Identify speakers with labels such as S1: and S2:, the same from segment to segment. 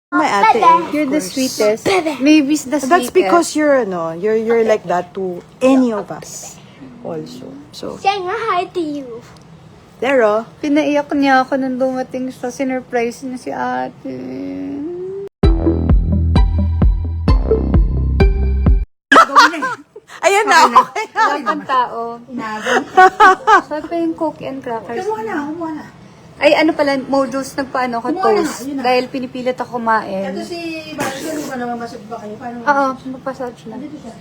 S1: My ate,
S2: You're the sweetest. Baby's the sweetest.
S1: that's because you're like that to any of us also. So,
S3: Saying hi to you.
S1: there
S2: Pinaiyak niya ako nung dumating sa sinurprise niya si ate.
S1: Ayan na, okay.
S2: Wala pang tao. Sabi pa yung coke and crackers.
S4: Kumuha na.
S2: Ay, ano pala, Modus, nagpaano ako toast. Dahil pinipilit ako kumain.
S4: Ito si Bastion, hindi pa naman masag ba kayo? Paano?
S2: Oo, magpasage na.
S4: Dito siya.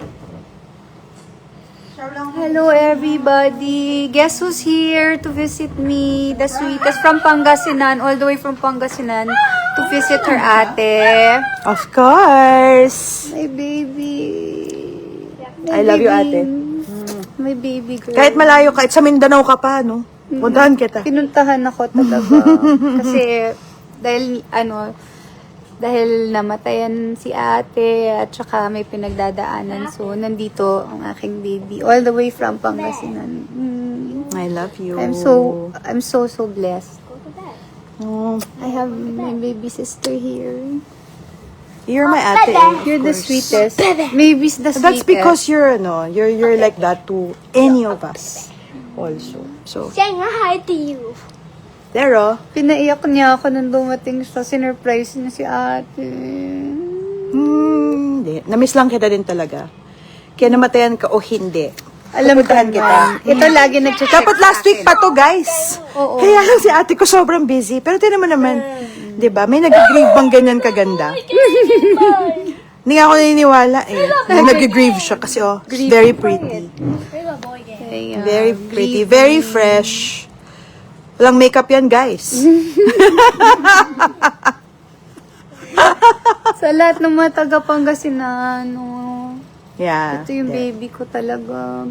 S4: Shower lang.
S2: Hello everybody! Guess who's here to visit me? The sweetest from Pangasinan, all the way from Pangasinan to visit her ate.
S1: Of course.
S2: My baby.
S1: I love you, ate.
S2: My baby girl.
S1: Kahit malayo, kahit sa Mindanao ka pa, no? Puntahan kita.
S2: Pinuntahan ako talaga. Kasi, dahil namatayan si ate at saka may pinagdadaanan. So, nandito ang aking baby. All the way from Pangasinan.
S1: I love you.
S2: I'm so blessed.
S1: Oh,
S2: I have my baby sister here.
S1: you're my ate.
S2: You're the sweetest. Baby's the sweetest.
S1: That's because you're like that to any of us also. So,
S3: Saying hi to you.
S1: there
S2: Pinaiyak niya ako nung dumating sa sinurprise niya si ate.
S1: Hindi. Namiss lang kita din talaga. Kaya namatayan ka o hindi.
S2: Alam ko
S1: Pupuntahan kita.
S2: Ito lagi nag-check.
S1: Dapat last week pa to, guys.
S2: Oo.
S1: Kaya lang si ate ko sobrang busy. Pero tinan mo naman, di ba? May nag-grieve bang ganyan kaganda? Hindi nga ako naniniwala eh. Na nag-grieve siya kasi very pretty.
S2: Kaya,
S1: Very pretty. Very fresh. Walang makeup yan, guys.
S2: sa lahat ng mga taga Pangasinan,
S1: Yeah.
S2: ito yung baby ko talaga.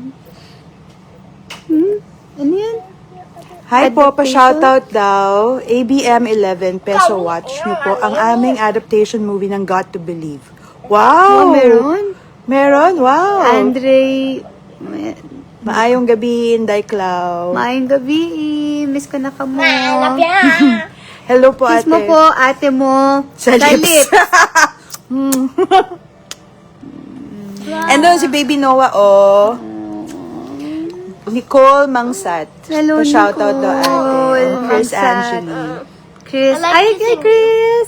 S2: Ano yan?
S1: Hi po,
S2: Adaptation?
S1: pa-shoutout daw. ABM11 peso watch nyo po ang aming adaptation movie ng Got to Believe. Wow!
S2: Oh, meron?
S1: Meron? Wow!
S2: Andre,
S1: Maayong gabi, Inday Clau.
S2: maayong gabi. Miss ko na ka mo.
S1: Hello po,
S2: Kiss
S1: ate.
S2: mo po, ate mo.
S1: Sa lips. And doon si Baby Noah, Nicole Mangsat.
S2: Hello,
S1: Pa-shoutout daw, ate.
S2: Nicole
S1: Chris
S2: Mangsat.
S1: Angeli.
S2: Chris. Ay, kay Chris.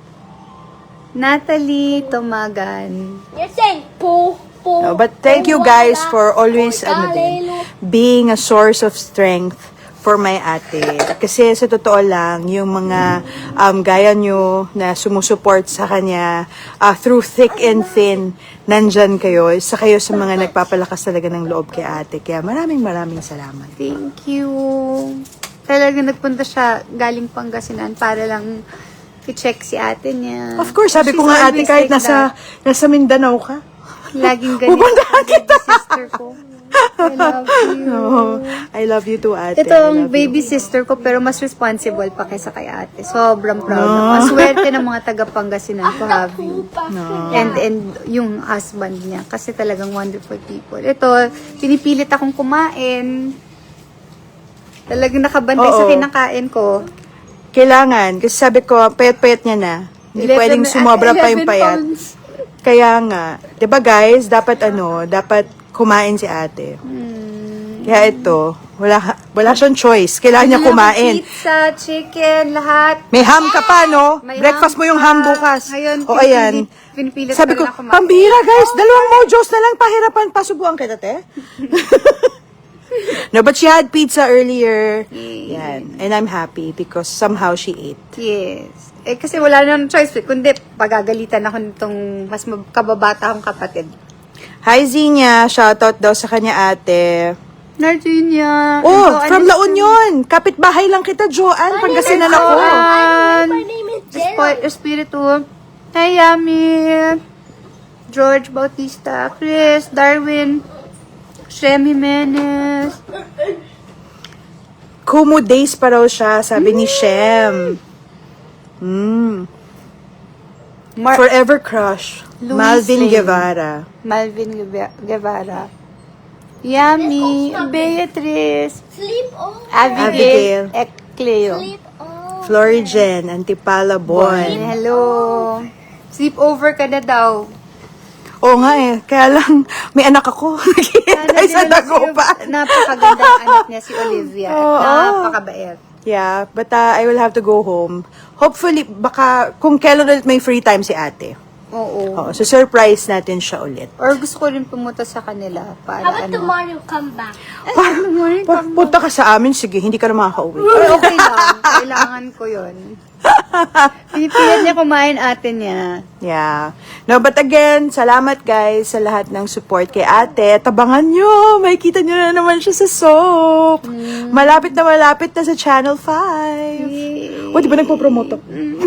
S2: Natalie Tomagan.
S3: You're saying poo, poo.
S1: No, but thank you guys for always being a source of strength for my ate. Kasi sa totoo lang, yung mga gaya nyo na sumusuport sa kanya through thick and thin, nandyan kayo. Isa kayo sa mga nagpapalakas talaga ng loob kay ate. Kaya maraming salamat.
S2: Thank you. Talaga nagpunta siya galing Pangasinan para lang i-check si ate niya.
S1: Of course, sabi ko
S2: She's
S1: nga ate,
S2: always
S1: kahit
S2: like that.
S1: nasa Mindanao ka.
S2: Laging ganito.
S1: Pupuntahan
S2: ang baby sister ko. I love you.
S1: I love you too, ate.
S2: Ito ang baby sister ko pero mas responsible pa kaysa kay ate. Sobrang proud ako. Ang swerte ng mga taga Pangasinan to have you. And yung husband niya. Kasi talagang wonderful people. Ito, pinipilit akong kumain. Talagang nakabantay sa
S1: Oo.
S2: kinakain ko.
S1: Kailangan. Kasi sabi ko, payat-payat niya na. Hindi pwedeng sumobra pa yung
S2: 11
S1: payat.
S2: pounds.
S1: Kaya nga. 'Di ba guys, dapat kumain si ate. Kaya ito, wala siyang choice. Kailangan niya kumain.
S2: Pizza, chicken, lahat.
S1: May ham ka pa, no?
S2: May
S1: Breakfast
S2: ham
S1: mo yung
S2: pa.
S1: ham bukas.
S2: Ngayon,
S1: O ayan.
S2: pinipilit
S1: Sabi ko,
S2: na kumain.
S1: pambira guys, 2 mojos na lang pahirapan. Pasubuan kita, te. No, but she had pizza earlier. Yan. And I'm happy because somehow she ate.
S2: Yes. Kasi wala nang choice. Kundi, pagagalitan ako nitong mas kababata akong kapatid.
S1: Hi, Zinya. Shoutout daw sa kanya, ate.
S2: Nardinia.
S1: From La Union. Kapit-bahay lang kita, Joanne. Pangasinan ako.
S3: My name is Jello.
S2: Espiritu. Hey, Yami. George Bautista. Chris. Darwin. Shem Jimenez.
S1: Kumu days pa raw siya, sabi ni Shem. Forever crush.
S2: Luis
S1: Malvin
S2: Lane.
S1: Guevara.
S2: Malvin Guevara. Yami. Beatrice.
S3: Sleep on.
S2: Abigail.
S1: Abigail.
S2: Cleo.
S3: Sleep on.
S1: Florigen, Antipala Bon.
S2: Hello. Sleep over ka na daw.
S1: Oo nga eh, kaya lang may anak ako. Naghihintay sa Dagupan.
S2: Napakaganda ang anak niya, si Olivia.
S1: Oo.
S2: Napakabait.
S1: Yeah, but I will have to go home. Hopefully, baka kung kailan ulit may free time si ate.
S2: Oo.
S1: Oo, so surprise natin siya ulit.
S2: Or gusto ko rin pumunta sa kanila para
S3: How about
S2: ano.
S3: tomorrow come back?
S1: Punta ka sa amin, sige, hindi ka na makaka-uwi.
S2: Or okay lang. Kailangan ko yun. Pinipilit niya kumain ate niya.
S1: Yeah. No, but again, salamat guys sa lahat ng support kay ate. Tabangan nyo, makikita nyo na naman siya sa soap. Malapit na sa Channel 5. O, di ba nagpo-promote ako?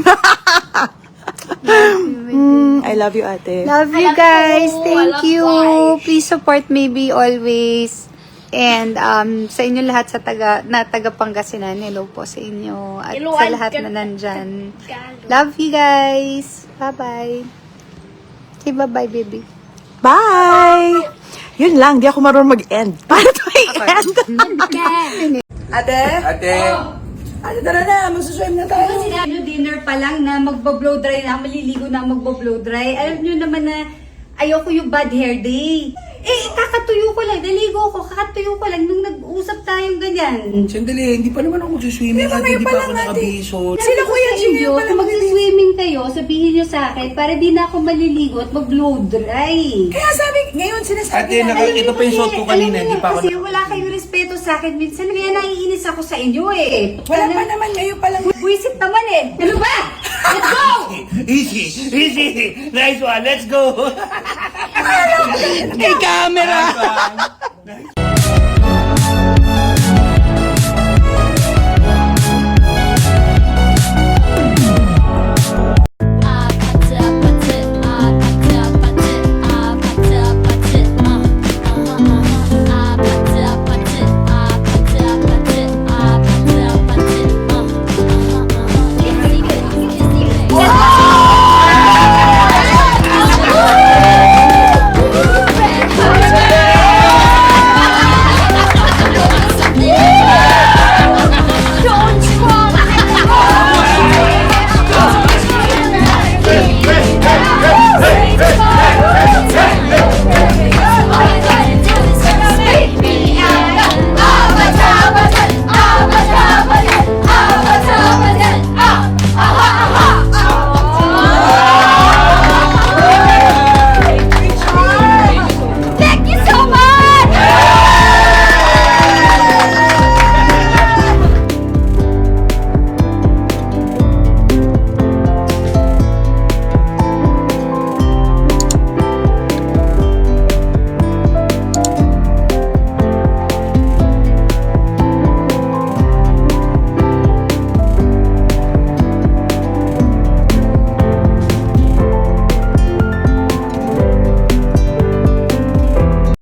S1: I love you, ate.
S2: Love you guys. Thank you. Please support Maybe always. And sa inyo lahat sa taga Pangasinan, hello po sa inyo. At sa lahat na nandyan. Love you guys. Bye-bye. Say bye-bye, baby.
S1: Bye! Yun lang, di ako marunong mag-end. Paano to i-end? Ate?
S5: Ate,
S1: Ate, tara na, masuswim na tayo.
S2: Dinner pa lang na magbo-blow dry na, maliligo na magbo-blow dry. Alam nyo naman na ayoko yung bad hair day. Kakatuyo ko lang, naligo ko, kakatuyo ko lang nung nag-usap tayong ganyan.
S5: sandali, hindi pa naman ako magsiswimming at hindi pa ako nakabiso.
S1: Sila Kuya Jimmy
S2: Kung
S1: pala
S2: mag-swimming kayo, sabihin nyo sa akin para di na ako maliligo at mag-blow dry.
S1: Kaya sabi, ngayon sinasabi
S5: Ate, ito pa yung suot ko kanina, hindi pa ako
S2: Kasi wala kayong respeto sa akin. Minsan kaya naiinis ako sa inyo eh.
S1: Wala pa naman, ngayon pa lang.
S2: Buisit naman eh. Ano ba? Let's go!
S5: Easy, easy. Nice one, let's go. Hey, camera. Nice